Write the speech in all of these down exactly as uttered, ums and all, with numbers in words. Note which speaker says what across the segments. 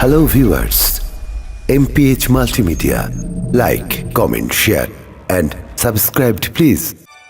Speaker 1: Hello viewers, M P H Multimedia. Like, comment, share and subscribe please.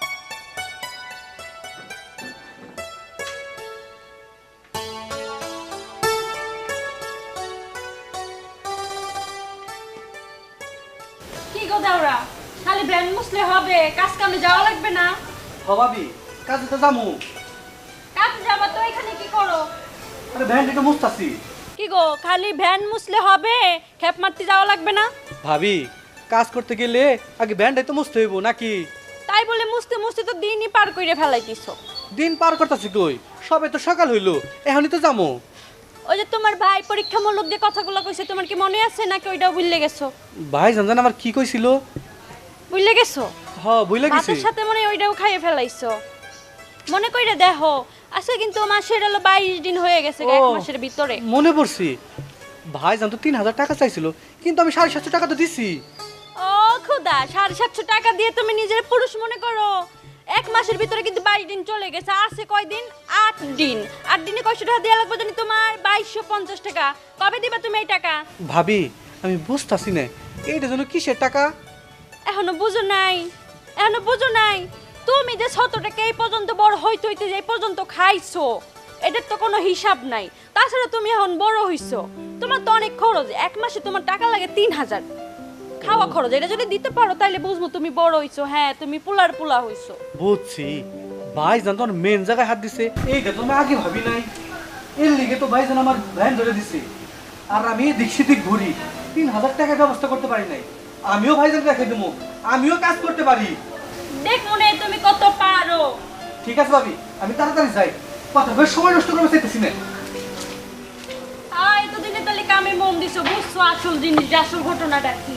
Speaker 2: কি গো দাওরা খালি ban মুছলে হবে, কাজ কামে যাওয়া লাগবে না?
Speaker 3: হবাবি কাজে তো যামু।
Speaker 2: কাজে যাবা তো এখানে কি করো?
Speaker 3: আরে ভ্যান একটু মুছতাছি।
Speaker 2: কি গো খালি ভ্যান মুছলে হবে, খেপ মারতে যাওয়া লাগবে না?
Speaker 3: ভাবি কাজ করতে গেলে আগে ভ্যানটাই তো মুছতে হইব নাকি?
Speaker 2: তাই বলে মুছতে মুছতে তো দিনই পার কইরে ফেলাইতিছো।
Speaker 3: দিন পার করতেছি কই, সবে তো সকাল হইলো, এখনই তো যামু।
Speaker 2: ওই যে তোমার ভাই পরীক্ষামূলক যে কথাগুলো কইছে তোমার কি মনে আছে নাকি ওইটাও ভুলে গেছো?
Speaker 3: ভাই জানজান আমার কি কইছিল?
Speaker 2: ভুলে গেছো?
Speaker 3: হ ভুলে গেছি।
Speaker 2: ভাতের সাথে মনে হয় ওইটাও খাইয়ে ফেলাইছো। মনে কইরা দেখো, আজকে কিন্তু মাসের হলো বাইশ দিন হয়ে গেছে, এক
Speaker 3: ও,
Speaker 2: মাসের ভিতরে।
Speaker 3: মনে পড়ছি, ভাই জান তো তিন হাজার টাকা চাইছিল, কিন্তু আমি সাড়ে সাতশো টাকা তো দিছি।
Speaker 2: ও খুদা, সাড়ে সাতশো টাকা দিয়ে তুমি নিজের পুরুষ মনে করো? এক মাসের ভিতরে কিন্তু বাইশ দিন চলে গেছে, আছে কয়দিন? আট দিন। আট দিনে কয়শো টাকা দেওয়া লাগবে জানি তোমার? বাইশশো পঞ্চাশ টাকা। কবে দিবা তুমি এই টাকা?
Speaker 3: ভাবি আমি বুঝতাছি না এইটা যেন কিসের টাকা।
Speaker 2: এখনো বুঝো নাই? এখনো বুঝো নাই? তুমি যে শত টাকা এই পর্যন্ত বড় হইতে হইতে যে এই পর্যন্ত খাইছো, এটার তো কোনো হিসাব নাই। তাছাড়া তুমি এখন বড় হইছো, তোমার তো অনেক খরচ। এক মাসে তোমার টাকা লাগে তিন হাজার খাওয়া খরচ। এটা যদি দিতে পারো তাহলে বুঝবো তুমি বড় হইছো। হ্যাঁ, তুমি পুলার পুলা হইছো।
Speaker 3: বুঝছি, ভাই জান তো মেন জায়গায় হাত দিছে, এইটা তো আমি আগে ভাবি নাই। এর লিগে তো ভাই জান আমার ভ্যান ধরে দিছে, আর আমি দিকসি দিক ঘুরি, তিন হাজার টাকার ব্যবস্থা করতে পারি নাই। আমিও ভাই জান রেখে দেবো, আমিও কাজ করতে পারি।
Speaker 2: দেখ মনে তুমি কত পারো।
Speaker 3: ঠিক আছে ভাবি, আমি তাড়াতাড়ি যাই, কথা বেশ সময় নষ্ট করতে চাইতেছি না।
Speaker 2: আয় এতদিনে তাহলে কামে মন দিছো, বুঝছো আসল জিনিস, আসল ঘটনাটা কি।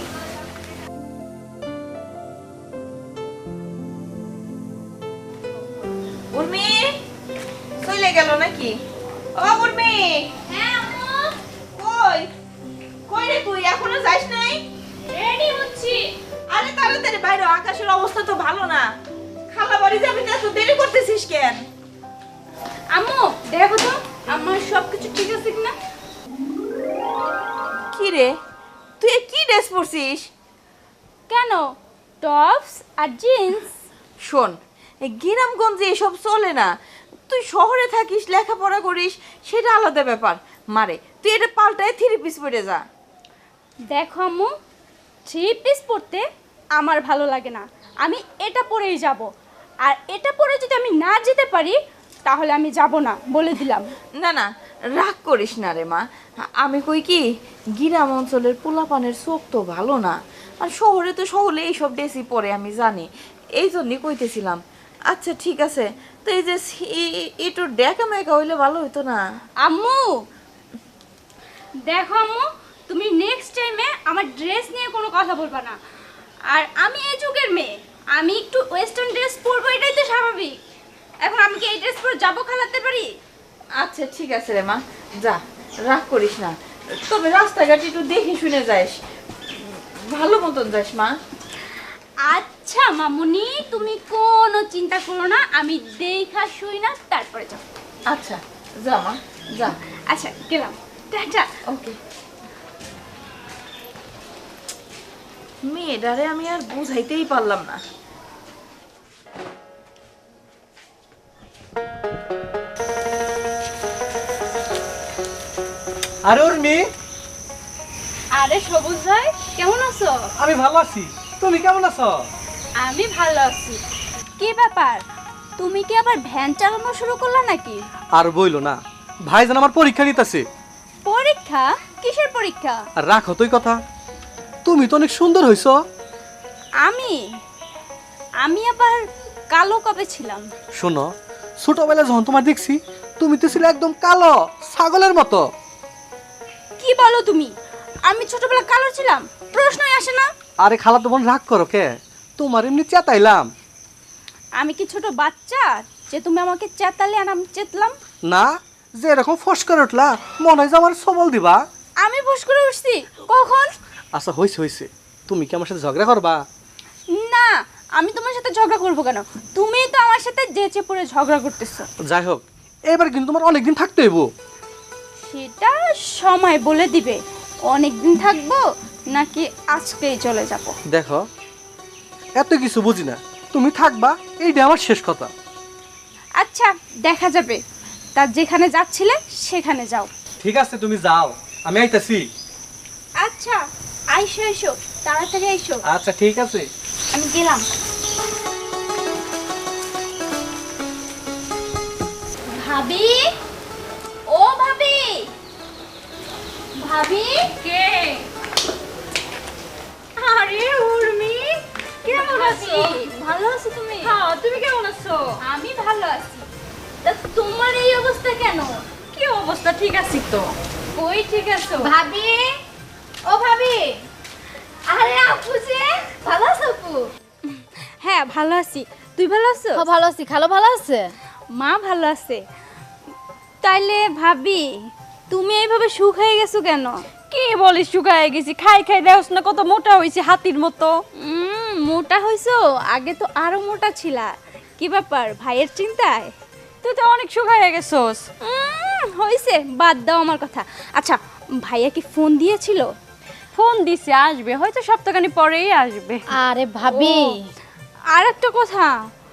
Speaker 4: উর্মি চলে গেল নাকি? ও উর্মি,
Speaker 2: হ্যাঁ আম্মু,
Speaker 4: কই কই রে তুই? এখনো যাস নাই?
Speaker 2: রেডি হচ্ছি।
Speaker 4: আরে তাড়াতাড়ি বাইরে, আকাশের অবস্থা তো ভালো না। খালা বাড়ি যাবি না, তো দেরি করতেছিস কেন?
Speaker 2: আম্মু দেখো তো আমার সবকিছু ঠিক আছে কিনা।
Speaker 4: কি রে, তুই এ কি ড্রেস পরছিস?
Speaker 2: কেন, টপস আর জিন্স।
Speaker 4: শোন, এই গ্রামগঞ্জে এসব চলে না। তুই শহরে থাকিস, লেখাপড়া করিস, সেটা আলাদা ব্যাপার। মারে তুই এটা পাল্টায় থ্রি পিস পরে যা।
Speaker 2: দেখো আম্মু, থ্রি পিস পরতে আমার ভালো লাগে না, আমি এটা পরেই যাব। আর এটা পরে যদি আমি না যেতে পারি তাহলে আমি যাব না, বলে দিলাম।
Speaker 4: না না, রাগ করিস না রে মা। আমি কই কি, গ্রাম অঞ্চলের পোলাপানের চোখ তো ভালো না, আর শহরে তো শহরে এইসব ড্রেসই পরে, আমি জানি, এই জন্যই কইতেছিলাম। আচ্ছা ঠিক আছে, তো এই যে একটু ডেকা মেকা হইলে ভালো হইতো না?
Speaker 2: আম্মু দেখো আম্মু, তুমি নেক্সট টাইমে আমার ড্রেস নিয়ে কোনো কথা বলবা না। আর আমি এই যুগের মেয়ে, আমি একটু ওয়েস্টার্ন ড্রেস পরবো, এটাই তো স্বাভাবিক। এখন আমি কি এই ড্রেস পরে যাবো খেলাতে পারি?
Speaker 4: আচ্ছা ঠিক আছে রে মা, যা, রাগ করিস না। তবে রাস্তাঘাট একটু দেখে শুনে যাস, ভালো মতন যাস মা।
Speaker 2: আচ্ছা মামুনি, তুমি কোনো চিন্তা করো না, আমি দেখা শুই না তারপরে যাবো।
Speaker 4: আচ্ছা যা মা, যা।
Speaker 2: আচ্ছা গেলাম, টাটা।
Speaker 4: ওকে। মেয়েটারে আমি আর বুঝাইতেই পারলাম না।
Speaker 3: আরে ওর মেয়ে,
Speaker 2: আরে সবুজ ভাই, কেমন আছো?
Speaker 3: আমি ভালো আছি, তুমি কেমন আছো?
Speaker 2: আমি ভালো আছি। কি ব্যাপার, তুমি কি আবার ভ্যান চালানো শুরু করলা নাকি?
Speaker 3: আর বইলো না, ভাই জান আমার পরীক্ষা নিতেছে।
Speaker 2: পরীক্ষা? কিসের পরীক্ষা?
Speaker 3: আর রাখো তুই কথা, তুমি তো অনেক সুন্দর হইছো।
Speaker 2: আমি আমি আবার কালো কবে ছিলাম?
Speaker 3: শোনো, ছোটবেলায় যখন তোমার দেখছি, তুমি তো ছিলে একদম কালো ছাগলের মতো।
Speaker 2: কি বলো তুমি? আমি ছোটবেলা কালো ছিলাম? প্রশ্নই আসে না।
Speaker 3: আরে খালা তো বোন রাগ করো কে, তোমার এমনি চেতাইলাম।
Speaker 2: আমি কি ছোট বাচ্চা যে তুমি আমাকে চেতালে আর আমি চেতলাম?
Speaker 3: না, যে এরকম ফস করে উঠলা, মনে হয় যে আমার সবল দিবা।
Speaker 2: আমি ফস করে উঠছি কখন?
Speaker 3: আচ্ছা হইছে হইছে, তুমি কি আমার সাথে ঝগড়া করবা?
Speaker 2: না, আমি তোমার সাথে ঝগড়া করবো কেন? তুমি তো আমার সাথে যেচে পড়ে ঝগড়া করতেছো।
Speaker 3: যাই হোক, এবার কিন্তু তোমার অনেকদিন থাকতে হইব।
Speaker 5: সেটা সময় বলে দিবে অনেক দিন থাকবো নাকি আজকেই চলে যাব।
Speaker 3: দেখো এত কিছু বুঝি না, তুমি থাকবা এইটা আমার শেষ কথা।
Speaker 5: আচ্ছা দেখা যাবে, তার যেখানে যাচ্ছিলে সেখানে যাও।
Speaker 3: ঠিক আছে তুমি যাও, আমি আইতাছি।
Speaker 5: আচ্ছা আইসো এসো, তাড়াতাড়ি আইসো।
Speaker 3: আচ্ছা ঠিক আছে।
Speaker 5: আমি গেলাম। ভাবি, ও ভাবি, ভাবি
Speaker 2: কে? আরে উর্মি, কেমন আছো?
Speaker 5: ভালো আছো তুমি?
Speaker 2: হ্যাঁ, তুমি কেমন আছো?
Speaker 5: আমি ভালো আছি। তা তোমার এই অবস্থা কেন?
Speaker 2: কি অবস্থা? ঠিক আছি তো।
Speaker 5: কই ঠিক আছো? ভাবি, ও ভাবি। আরে আপু যে, ভালো আছো আপু? হ্যাঁ ভালো আছি। তুই ভালো আছো?
Speaker 6: হ্যাঁ ভালো আছি। খালো ভালো আছে?
Speaker 5: মা ভালো আছে। তাইলে ভাবি তুমি এইভাবে শুকিয়ে গেছো কেন?
Speaker 2: কি বলিস, শুকায় গেছি? খাই খাই দেখছ না কত মোটা হইছি, হাতির মতো।
Speaker 5: উম, মোটা হইছো? আগে তো আরো মোটা ছিলা। কি ব্যাপার, ভাইয়ের চিন্তায়?
Speaker 2: তুই তো অনেক শুকায় গেছস।
Speaker 5: উম, হইছে, বাদ দাও আমার কথা। আচ্ছা ভাইয়া কি ফোন দিয়েছিল?
Speaker 2: ফোন দিছে, আসবে হয়তো সপ্তাহখানি পরেই আসবে।
Speaker 6: আরে ভাবি,
Speaker 5: আর একটা কথা,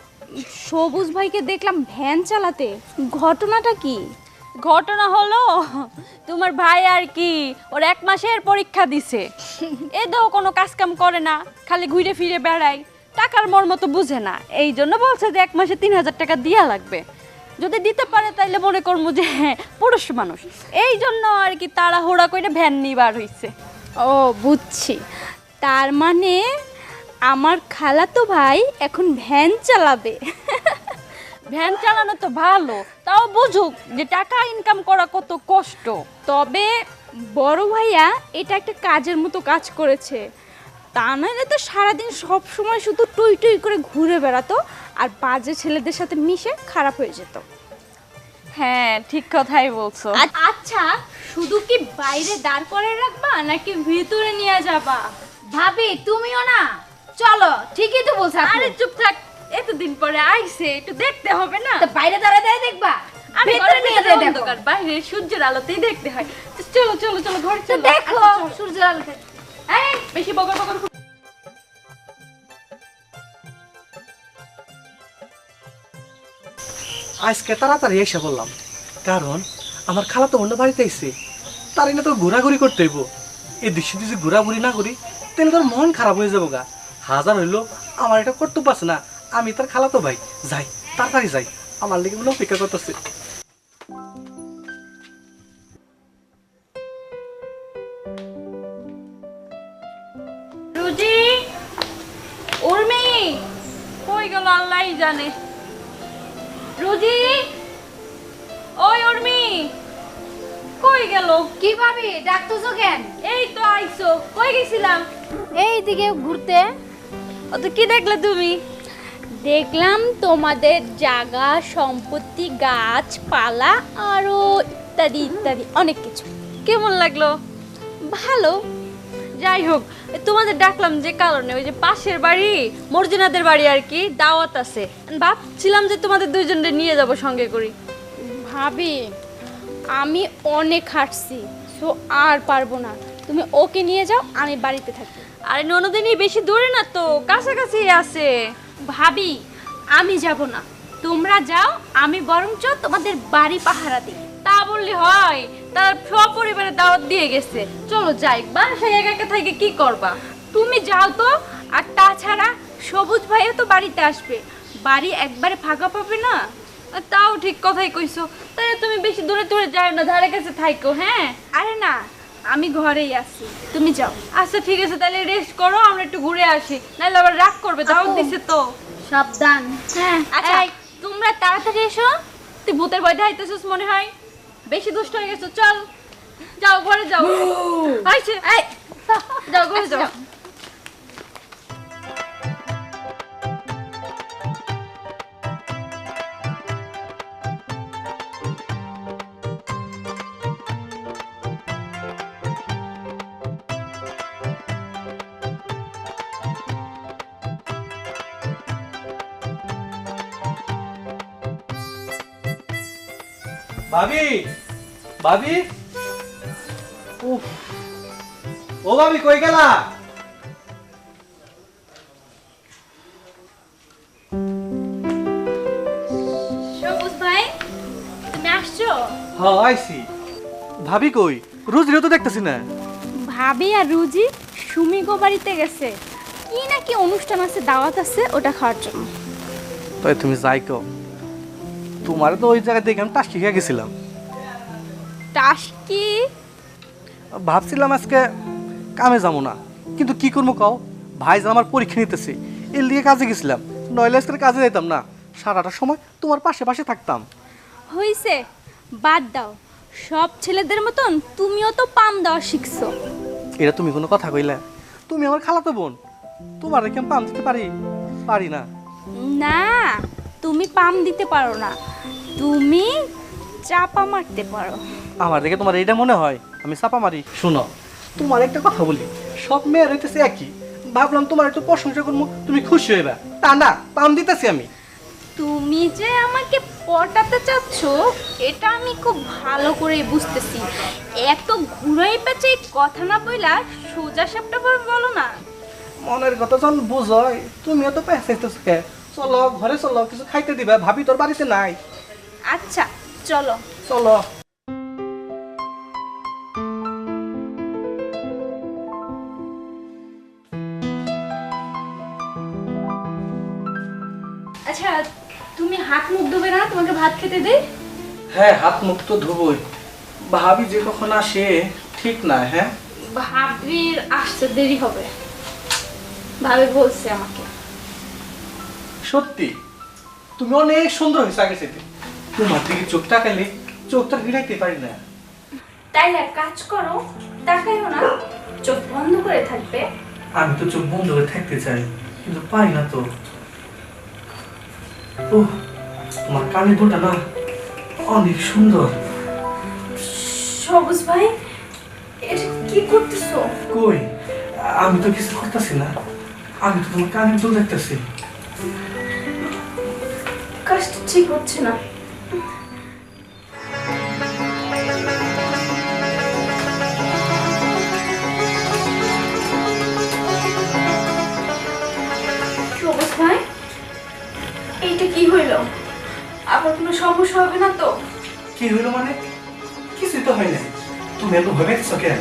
Speaker 5: সবুজ ভাইকে দেখলাম ভ্যান চালাতে, ঘটনাটা কি?
Speaker 2: ঘটনা হলো, তোমার ভাই আর কি ওর এক মাসের পরীক্ষা দিছে। এ দাও কোনো কাজ কাম করে না, খালি ঘুরে ফিরে বেড়ায়, টাকার মর্ম তো বুঝে না। এই জন্য বলছে যে এক মাসে তিন হাজার টাকা দিয়া লাগবে। যদি দিতে পারে তাইলে মনে করবো যে হ্যাঁ পুরুষ মানুষ। এই জন্য আর কি তাড়াহুড়া করে ভ্যান নিবার হইছে।
Speaker 5: ও বুঝছি, তার মানে আমার খালাতো ভাই এখন ভ্যান চালাবে।
Speaker 2: ভ্যান চালানো তো ভালো, তাও বুঝুক যে টাকা ইনকাম করা কত কষ্ট।
Speaker 5: তবে বড় ভাইয়া এটা একটা কাজের মতো কাজ করেছে, তা নাহলে তো সারাদিন সব সময় শুধু টুই টুই করে ঘুরে বেড়াতো আর বাজে ছেলেদের সাথে মিশে খারাপ হয়ে যেত।
Speaker 2: হ্যাঁ ঠিক কথাই বলছো।
Speaker 5: আচ্ছা শুধু কি বাইরে দাঁড় করে রাখবা নাকি ভিতরে নিয়ে যাবা?
Speaker 6: ভাবি তুমিও না চলো, ঠিকই তো বলছ।
Speaker 2: আরে চুপ থাক, এতদিন পরে আইছে, একটু দেখতে হবে না?
Speaker 6: তো বাইরে দাঁড়ায় দাঁড়ায় দেখবা,
Speaker 2: আরে
Speaker 6: ভেতরে
Speaker 2: ঘরের
Speaker 6: নিয়ে
Speaker 2: ভিতরে
Speaker 6: যেয়ে দেখো।
Speaker 2: অন্ধকার, বাইরে সূর্যের আলোতেই দেখতে হয়। তো চলো চলো চলো ঘরে
Speaker 6: তো
Speaker 2: চলো।
Speaker 6: দেখো
Speaker 2: আচ্ছা, চলো।
Speaker 6: সূর্যের আলোতে।
Speaker 2: এই বেশি বকর বকর কর-
Speaker 3: আজকে তাড়াতাড়ি এসে বললাম, কারণ আমার খালা তো অন্য বাড়িতে এসে, তার এনে তো ঘোরাঘুরি করতে হইব। এই দৃশ্য যদি ঘোরাঘুরি না করি তাহলে তোর মন খারাপ হয়ে যাবো গা। হাজার হইলো আমার এটা কর্তব্য আছে না, আমি তার খালা তো ভাই। যাই তাড়াতাড়ি যাই, আমার লেগে মনে অপেক্ষা করতেছে।
Speaker 2: রুজি, উর্মি কই গেল আল্লাহই জানে। রুজি, ওই উর্মি কই গেল?
Speaker 6: কি ভাবি ডাকতেছো কেন?
Speaker 2: এই তো আইছো, কই গেছিলাম?
Speaker 6: এই দিকে ঘুরতে।
Speaker 2: ও তো কি দেখলে তুমি?
Speaker 5: দেখলাম তোমাদের জায়গা সম্পত্তি গাছপালা আরো ইত্যাদি ইত্যাদি অনেক কিছু।
Speaker 2: কেমন লাগলো?
Speaker 5: ভালো।
Speaker 2: যাই হোক, তোমাদের ডাকলাম যে কারণে, ওই যে পাশের বাড়ি মর্জিনাদের বাড়ি আর কি দাওয়াত আছে, ভাবছিলাম যে তোমাদের দুইজনকে নিয়ে যাব সঙ্গে করি।
Speaker 5: ভাবি আমি অনেক হাঁটছি, সো আর পারবো না, তুমি ওকে নিয়ে যাও, আমি বাড়িতে থাকি।
Speaker 2: আরে ননদিনী বেশি দূরে না তো, কাছাকাছি আছে।
Speaker 5: ভাবি আমি যাব না, তোমরা যাও, আমি বরঞ্চ তোমাদের বাড়ি পাহারা দিই।
Speaker 2: তা বললি হয়? তার সপরিবারে দাওয়াত দিয়ে গেছে, চলো যাই। বাসায় একা একা থেকে কি করবা?
Speaker 5: তুমি যাও তো। আর তাছাড়া সবুজ ভাইও তো বাড়িতে আসবে, বাড়ি একবারে ফাঁকা পাবে না।
Speaker 2: আর তাও ঠিক কথাই কইছো, তাই তুমি বেশি দূরে দূরে যাও না, ধারে কাছে থাইকো। হ্যাঁ
Speaker 5: আরে না, আমি ঘরেই আছি, তুমি যাও।
Speaker 2: আচ্ছা ঠিক আছে, তাহলে রেস্ট করো, আমরা একটু ঘুরে আসি, নাহলে আবার রাগ করবে, দাওয়াত
Speaker 6: আপু।
Speaker 2: দিছে তো।
Speaker 6: সাবধান।
Speaker 5: হ্যাঁ আচ্ছা
Speaker 2: এই।
Speaker 5: তোমরা তাড়াতাড়ি এসো।
Speaker 2: তুই ভূতের ভয় দেখাইতেছিস মনে হয়, বেশি দুষ্ট হয়ে গেছো। চল যাও, ঘরে যাও। আইছে, এই যাও ঘরে যাও।
Speaker 3: ভাবি, ভাবি, উফ, ও ভাবি কই গেলা?
Speaker 5: সবুজ ভাই তুমি আসছো?
Speaker 3: হ্যাঁ আইছি। ভাবি কই? রোজিরও তো দেখতেছি না।
Speaker 5: ভাবি আর রুজি সুমি গো বাড়িতে গেছে, কি নাকি অনুষ্ঠান আছে, দাওয়াত আছে, ওটা খাওয়ার জন্য।
Speaker 3: তাই তুমি যাই কো, তোমার তো ওই জায়গায় দেখে আমি টাস্কি খেয়ে গেছিলাম।
Speaker 5: টাস্কি?
Speaker 3: ভাবছিলাম আজকে কামে যাবো না, কিন্তু কি করবো কও, ভাইজান আমার পরীক্ষা নিতেছে, এর দিকে কাজে গেছিলাম, নইলে আজকে কাজে যেতাম না, সারাটা সময় তোমার পাশে পাশে থাকতাম।
Speaker 5: হইছে, বাদ দাও, সব ছেলেদের মতন তুমিও তো পাম দেওয়া শিখছো।
Speaker 3: এটা তুমি কোনো কথা কইলে? তুমি আমার খালাতো বোন, তোমার কি আমি পাম দিতে পারি? পারি না।
Speaker 5: না, তুমি পাম দিতে পারো না, তুমি চাপা মারতে পারো।
Speaker 3: আমার দেখে তোমার এইটা মনে হয় আমি চাপা মারি? শোনো, তোমার একটা কথা বলি, সব মেয়ের হইতেছে একই, ভাবলাম তোমার একটু প্রশংসা করবো, তুমি খুশি হইবা, তা না, পাম দিতেছি আমি।
Speaker 5: তুমি যে আমাকে পটাতে চাচ্ছ এটা আমি খুব ভালো করে বুঝতেছি। এত ঘুরাই পেঁচে কথা না বইলা সোজা সাপটা বলো না।
Speaker 3: মনের কথা যখন বুঝয়, তুমিও তো পেঁচাইতেছ কে? চলো ঘরে চলো, কিছু খাইতে দিবা, ভাবি তোর বাড়িতে নাই।
Speaker 5: আচ্ছা চলো।
Speaker 3: চলো।
Speaker 5: আচ্ছা তুমি হাত মুখ ধোবে না, তোমাকে ভাত খেতে দে।
Speaker 3: হ্যাঁ, হাত মুখ তো ধুবই, ভাবি যে কখন আসে ঠিক না। হ্যাঁ,
Speaker 5: ভাবির আসতে দেরি হবে, ভাবি বলছে আমাকে।
Speaker 3: সত্যি তুমি অনেক সুন্দর হয়েছে আগে থেকে, তোমার দিকে চোখ তাকাইলে চোখটা ফিরাইতে পারি না।
Speaker 5: তাই এক কাজ করো, তাকাইও না, চোখ বন্ধ করে থাকবে।
Speaker 3: আমি তো চোখ বন্ধ করে থাকতে চাই, কিন্তু পারি না তো। ও, তোমার কানের দুটা না অনেক সুন্দর।
Speaker 5: সবুজ ভাই, এটা কি করতেছো?
Speaker 3: কই, আমি তো কিছু করতেছি না, আমি তো তোমার কানের দুল দেখতেছি।
Speaker 5: কাজটা ঠিক হচ্ছে না। সবুজ ভাই, এইটা কি হইল? আবার কোনো সমস্যা হবে না তো?
Speaker 3: কি হইলো মানে? কিছুই তো হয় না, তুমি এত ভয় পেয়েছো কেন?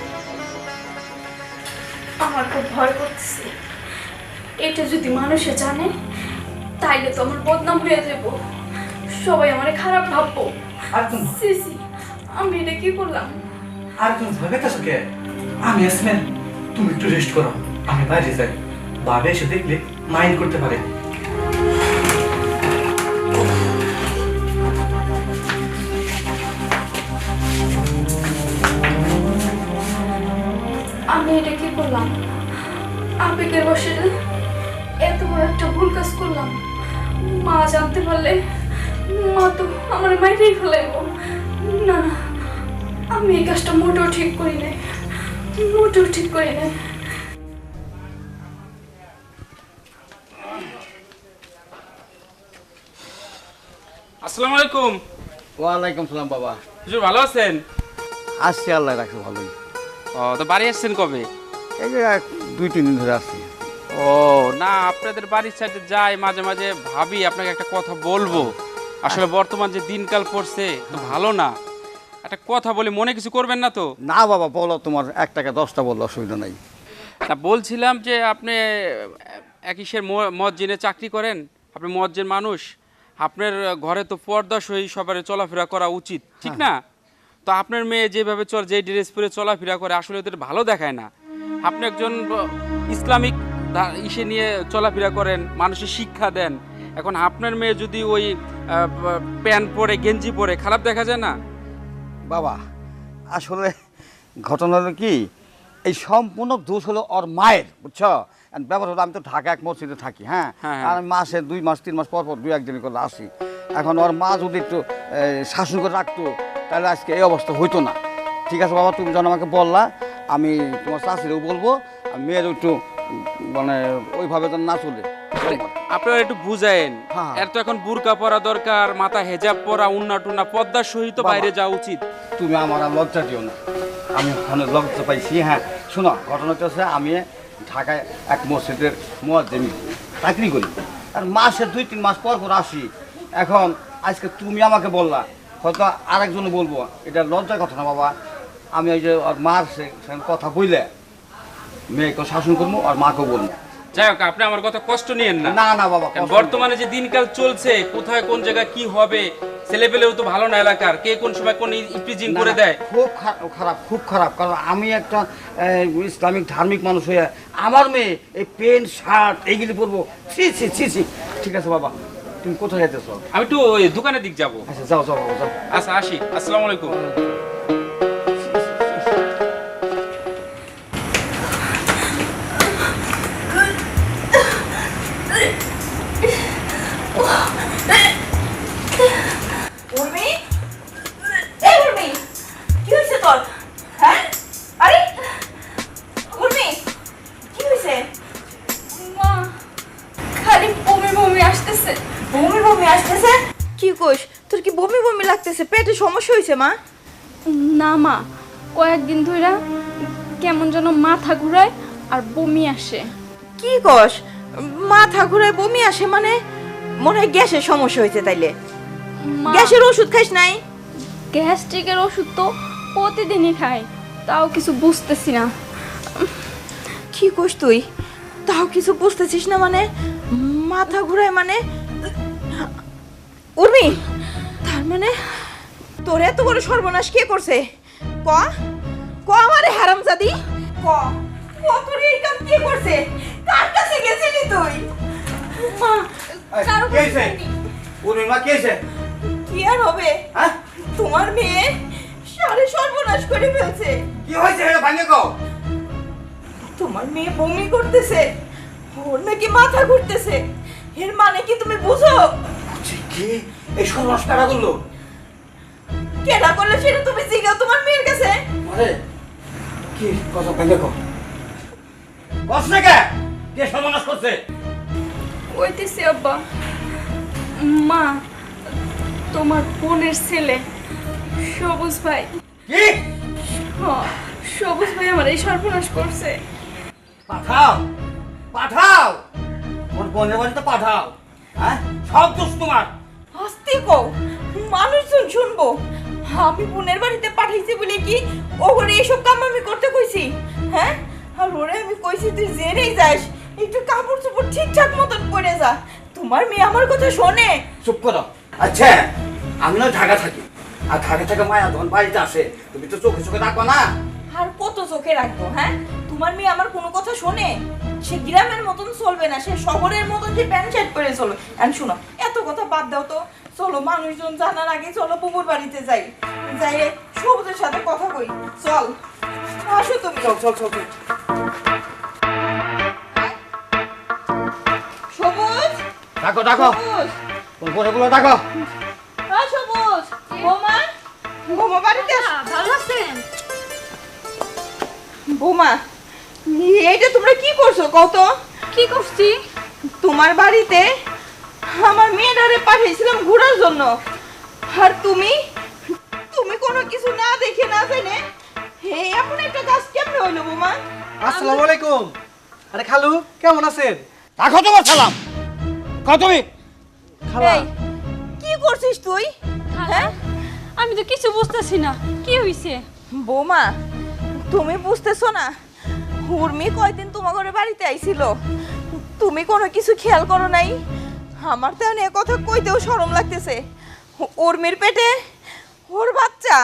Speaker 5: আমার খুব ভয় করতেছে, এটা যদি মানুষে জানে তাইলে তো আমার বদনাম হয়ে যাব, সবাই আমারে খারাপ ভাববো।
Speaker 3: আর তুমি
Speaker 5: সিসি, আমি এটা কি করলাম?
Speaker 3: আর তুমি ভয় পেয়েছো কেন? আমি আসলেন, তুমি একটু রেস্ট করো, আমি বাইরে যাই, বাবা এসে দেখলে মাইন্ড করতে পারে।
Speaker 5: আমি এটা কি করলাম? আবেগের বসে এত বড় একটা ভুল কাজ করলাম, মা জানতে পারলে মা তো আমার মাইরেই ফেলাইব। না না, আমি এই কাজটা মোটেও ঠিক করি নাই, মোটেও ঠিক করি নাই।
Speaker 7: আসসালামু আলাইকুম।
Speaker 8: ওয়ালাইকুম সালাম বাবা।
Speaker 7: হুজুর ভালো আছেন?
Speaker 8: আসছি, আল্লাহ রাখছে ভালোই।
Speaker 7: ও, তো বাড়ি আসছেন কবে?
Speaker 8: এই যে এক দুই তিন দিন ধরে আসছি।
Speaker 7: ও না, আপনাদের বাড়ির সাইডে যাই মাঝে মাঝে, ভাবি আপনাকে একটা কথা বলবো। আসলে বর্তমান যে দিনকাল পড়ছে তো ভালো না, একটা কথা বলি, মনে কিছু করবেন না তো?
Speaker 8: না বাবা, বলো, তোমার এক টাকা দশটা বললো, অসুবিধা নাই।
Speaker 7: তা বলছিলাম যে আপনি একিসের মসজিদে চাকরি করেন, আপনি মসজিদের মানুষ, আপনার ঘরে তো পর্দা সহি সবার চলাফেরা করা উচিত, ঠিক না? তো আপনার মেয়ে যেভাবে চল, যে ড্রেস পরে চলাফেরা করে, আসলে ওদের ভালো দেখায় না। আপনি একজন ইসলামিক ইসে নিয়ে চলাফেরা করেন, মানুষের শিক্ষা দেন, এখন আপনার মেয়ে যদি ওই প্যান্ট পরে গেঞ্জি পরে, খারাপ দেখা যায় না?
Speaker 8: বাবা আসলে ঘটনা হলো কি, এই সম্পূর্ণ দোষ হলো ওর মায়ের, বুঝছো? ব্যাপার হলো আমি তো ঢাকা এক মসজিদে থাকি, হ্যাঁ,
Speaker 7: হ্যাঁ।
Speaker 8: আর আমি মাসে দুই মাস তিন মাস পর পর দুই একদিন করে আসি। এখন ওর মা যদি একটু শাসন করে রাখতো তাহলে আজকে এই অবস্থা হইতো না। ঠিক আছে বাবা, তুমি যখন আমাকে বললা, আমি তোমার শাশুড়িও বলবো, আর মেয়ের একটু মানে ওইভাবে যেন না চলে।
Speaker 7: আপনারা একটু বুঝায়েন,
Speaker 8: হ্যাঁ।
Speaker 7: এর তো এখন বুরকা পরা দরকার, মাথা হেজাব পরা, উন্না টুন্না পর্দার সহিত
Speaker 8: বাবা।
Speaker 7: বাইরে যাওয়া উচিত।
Speaker 8: তুমি আমার আর লজ্জা দিও না, আমি ওখানে লজ্জা পাইছি। হ্যাঁ শোনো, ঘটনাটা হচ্ছে আমি ঢাকায় এক মসজিদের মুয়াজ্জিন চাকরি করি, আর মাসে দুই তিন মাস পর পর আসি। এখন আজকে তুমি আমাকে বললা, হয়তো আরেকজনে বলবো, এটা লজ্জার কথা না বাবা। আমি ওই যে ওর মার সঙ্গে কথা বইলে মেয়েকে শাসন করবো আর মাকেও বলবো।
Speaker 7: যাই হোক, আপনি আমার কথা কষ্ট নিয়েন না।
Speaker 8: না না বাবা,
Speaker 7: কারণ বর্তমানে যে দিনকাল চলছে, কোথায় কোন জায়গায় কি হবে, ছেলেপেলেও তো ভালো না এলাকার, কে কোন সময় কোন ইপ্রিজিং করে দেয়।
Speaker 8: খুব খা- খারাপ, খুব খারাপ। কারণ আমি একটা আহ, ইসলামিক ধার্মিক মানুষ হয়ে আমার মেয়ে এই প্যান্ট শার্ট এইগুলি পরবো, ছি ছি ছি ছি। ঠিক আছে বাবা, তুমি কোথায় যেতেছ?
Speaker 7: আমি একটু ওই দোকানের দিক যাব।
Speaker 8: আচ্ছা যাও যাও বাবা যাও।
Speaker 7: আচ্ছা আসি, আসসালামু আলাইকুম।
Speaker 4: উর্মি, এই উর্মি, কি হয়েছে তোর? হ্যাঁ, আরে উর্মি, কি হয়েছে?
Speaker 5: মা, খালি বমি বমি আসতেছে।
Speaker 4: বমি বমি আসতেছে? কি কইস, তোর কি বমি বমি লাগতেছে? পেটে সমস্যা হয়েছে মা?
Speaker 5: না মা, কয়েকদিন ধরে কেমন যেন মাথা ঘুরায় আর বমি আসে।
Speaker 4: কি কস, মাথা ঘুরায় বমি আসে? মানে মনে হয় গ্যাসের সমস্যা হয়েছে। তাইলে
Speaker 5: মা,
Speaker 4: গ্যাসের ওষুধ খাইস নাই?
Speaker 5: গ্যাস্ট্রিকের ওষুধ তো প্রতিদিনই খাই, তাও কিছু বুঝতেছি না।
Speaker 4: কি কস তুই, তাও কিছু বুঝতেছিস না? মানে মাথা ঘুরায় মানে? উর্মি, তার মানে তোর এত বড় সর্বনাশ কে করছে? ক ক আমারে হারামজাদি, ক ক তোর এই কাম কে করছে? কার কাছে গেছিলি তুই? মা, কারো কাছে যাইনি।
Speaker 8: পূর্ণিমা কে এসে?
Speaker 4: কি আর হবে,
Speaker 8: হ্যাঁ
Speaker 4: তোমার মেয়ে সারে সর্বনাশ করে ফেলছে।
Speaker 8: কি হয়েছে ভাঙে কও?
Speaker 4: তোমার মেয়ে বমি করতেছে, ওর নাকি মাথা ঘুরতেছে। এর মানে কি তুমি বুঝো?
Speaker 8: কি এই সর্বনাশ কারা করলো?
Speaker 4: কেডা করলে সেটা তুমি জিজ্ঞাসা তোমার মেয়ের কাছে।
Speaker 8: আরে কি কথা ভাঙে কও? কস না কে? কে সর্বনাশ করছে?
Speaker 5: ওইতেছে আব্বা, মা, তোমার বোনের ছেলে সবুজ ভাই।
Speaker 8: কি
Speaker 5: হ্যাঁ, সবুজ ভাই আমার এই সর্বনাশ করছে।
Speaker 8: পাঠাও পাঠাও, ওর বোনের বাড়িতে পাঠাও। হ্যাঁ সব দোষ তোমার।
Speaker 4: আস্তে কও, মানুষজন শুনবো। আমি বোনের বাড়িতে পাঠাইছি বলে কি ওরে এসব কাম আমি করতে কইছি? হ্যাঁ, আর ওরে আমি কইছি তুই জেনেই যাস, একটু কাপড় চোপড় ঠিকঠাক মতন পরে যা। তোমার মেয়ে আমার কথা শোনে?
Speaker 8: চুপ করো। আচ্ছা আমি না ঢাকা থাকি, আর ঢাকা থেকে মায়া তখন বাড়িতে আসে, তুমি তো চোখে চোখে রাখবা না?
Speaker 4: আর কত চোখে রাখবো? হ্যাঁ, তোমার মেয়ে আমার কোনো কথা শোনে? সে গ্রামের মতন চলবে না, সে শহরের মতন যে প্যান্ট শার্ট পরে চলবে। আর শুনো, এত কথা বাদ দাও তো, চলো মানুষজন জানার আগে চলো বুবুর বাড়িতে যাই, যাই সবুজের সাথে কথা কই। চল, আসো তুমি।
Speaker 8: চল চল চল চল।
Speaker 4: সবুজ,
Speaker 8: ডাকো ডাকো,
Speaker 4: সবুজ,
Speaker 8: তোর বোনেগুলো ডাকো।
Speaker 4: হ্যাঁ সবুজ, বৌমা, বৌমা বাড়িতে আস।
Speaker 2: ভালো আছেন?
Speaker 4: বৌমা, এইটা তোমরা কি করছো কত?
Speaker 5: কি করছি?
Speaker 4: তোমার বাড়িতে আমার মেয়েটারে পাঠিয়েছিলাম ঘোরার জন্য, আর তুমি তুমি কোনো কিছু না দেখে না জেনে হে এমন একটা কাজ কেমনে হইলো বৌমা?
Speaker 3: আসসালামু আলাইকুম। আরে খালু, কেমন আছেন?
Speaker 8: রাখো তোমার সালাম। কও তুমি?
Speaker 3: খালা,
Speaker 4: এই, কি করছিস তুই? হ্যাঁ
Speaker 2: আমি তো কিছু বুঝতেছি না, কি হইছে?
Speaker 4: বৌমা, তুমি বুঝতেছো না? উর্মি কয়দিন তোমার ঘরে বাড়িতে আইছিল, তুমি কোনো কিছু খেয়াল করো নাই? আমার তো এখন এ কথা কইতেও শরম লাগতেছে। উর্মির পেটে ওর বাচ্চা।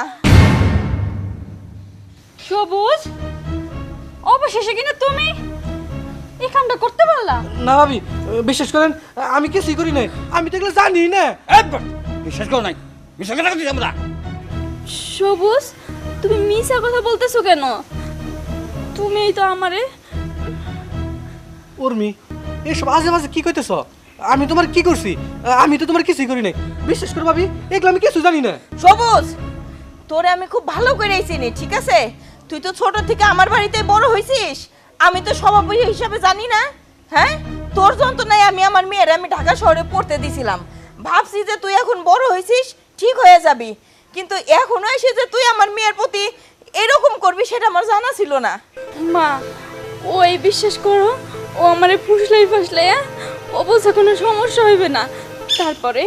Speaker 2: সবুজ, অবশেষে কিনা তুমি এই কামটা করতে পারলা?
Speaker 3: না ভাবি, বিশ্বাস করেন আমি কিছুই করি নাই, আমি তো এগুলো জানি না।
Speaker 8: এই বাট, বিশ্বাস করো নাই? বিশ্বাস করে রাখছি আমরা।
Speaker 5: সবুজ, তুমি মিছা কথা বলতেছো কেন? তুমিই তো আমারে।
Speaker 3: উর্মি, এইসব আজে বাজে কি কইতেছ? আমি তোমার কি করছি? আমি তো তোমার কিছুই করি নাই, বিশ্বাস করো ভাবি, এগুলো আমি কিছু জানি না।
Speaker 4: সবুজ, তোরে আমি খুব ভালো করে চিনি, ঠিক আছে? তুই তো ছোট থেকে আমার বাড়িতে বড় হয়েছিস, আমি তো সভাপতি হিসাবে জানি না? হ্যাঁ, তোর যন্ত্রণায় আমি আমার মেয়ের আমি ঢাকা শহরে পড়তে দিছিলাম, ভাবছি যে তুই এখন বড় হয়েছিস ঠিক হয়ে যাবি, কিন্তু এখনো এসে যে তুই আমার মেয়ের প্রতি এরকম করবি সেটা আমার জানা ছিল না।
Speaker 5: মা ওই বিশ্বাস করো, ও আমারে ফুসলাই ফাসলাই ও বলছে কোনো সমস্যা হইবে না। তারপরে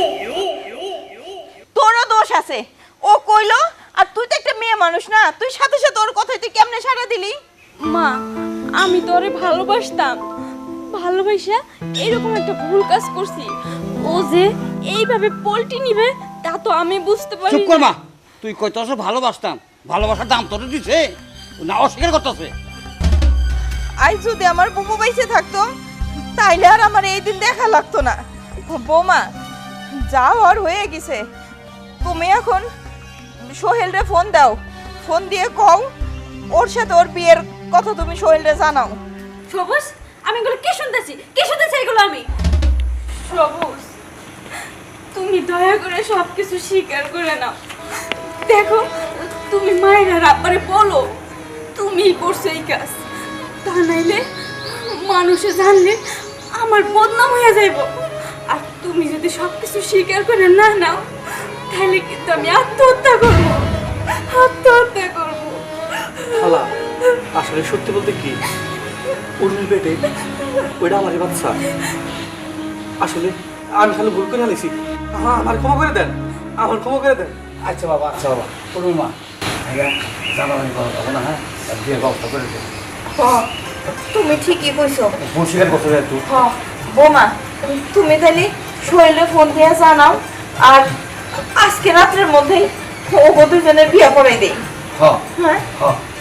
Speaker 4: তোরও দোষ আছে, ও কইলো আর তুই তো একটা মেয়ে মানুষ না, তুই সাথে সাথে ওর কথায় তুই কেমনে সাড়া দিলি?
Speaker 5: মা আমি তো ওরে ভালোবাসতাম, ভালোবাসা এরকম একটা ভুল কাজ করছি। ও যে এইভাবে পল্টি নিবে তা তো আমি বুঝতে পারি
Speaker 8: চুপ কর
Speaker 5: না।
Speaker 8: মা, তুই কইতাছ ভালোবাসতাম, ভালোবাসার দাম তোর দিছে না অস্বীকার করতেছে?
Speaker 4: আজ যদি আমার বুবু বাইসে থাকতো তাইলে আর আমার এই দিন দেখা লাগতো না। বৌমা যা হওয়ার হয়ে গেছে, তুমি এখন সোহেলরে ফোন দাও, ফোন দিয়ে কও ওর সাথে ওর বিয়ের কথা তুমি সোহেলরে জানাও।
Speaker 2: সবুজ, আমি এগুলো কি শুনতেছি? কি শুনতেছি এগুলো আমি?
Speaker 5: সবুজ তুমি দয়া করে সব কিছু স্বীকার করে নাও। দেখো তুমি মায়ের আর আব্বারে বলো তুমিই করছো এই কাজ, তা নাইলে মানুষে জানলে আমার বদনাম হয়ে যাইব। আর তুমি যদি সব কিছু স্বীকার করে না নাও তাহলে কিন্তু আমি আত্মহত্যা করবো, আত্মহত্যা করবো।
Speaker 3: খালা আসলে সত্যি বলতে কি, উর্মির পেটে ওইটা আমারই বাচ্চা। আসলে আমি খালি ভুল করে আনিছি, আমার ক্ষমা করে দেন, আমার ক্ষমা করে দেন।
Speaker 8: আচ্ছা বাবা, আচ্ছা বাবা, উর্মি মা জানাবানি করা যাবো না, হ্যাঁ বিয়ের ব্যবস্থা করে দেবো।
Speaker 4: তুমি ঠিকই কইছো।
Speaker 8: ভুল স্বীকার করছো তুই।
Speaker 4: হ্যাঁ বৌমা তুমি তাহলে সোহেলে ফোন দিয়ে জানাও, আর আজকে রাত্রের মধ্যেই ও দুজনের বিয়ে করাই দেই।
Speaker 8: হ্যাঁ
Speaker 4: হ্যাঁ
Speaker 8: হ্যাঁ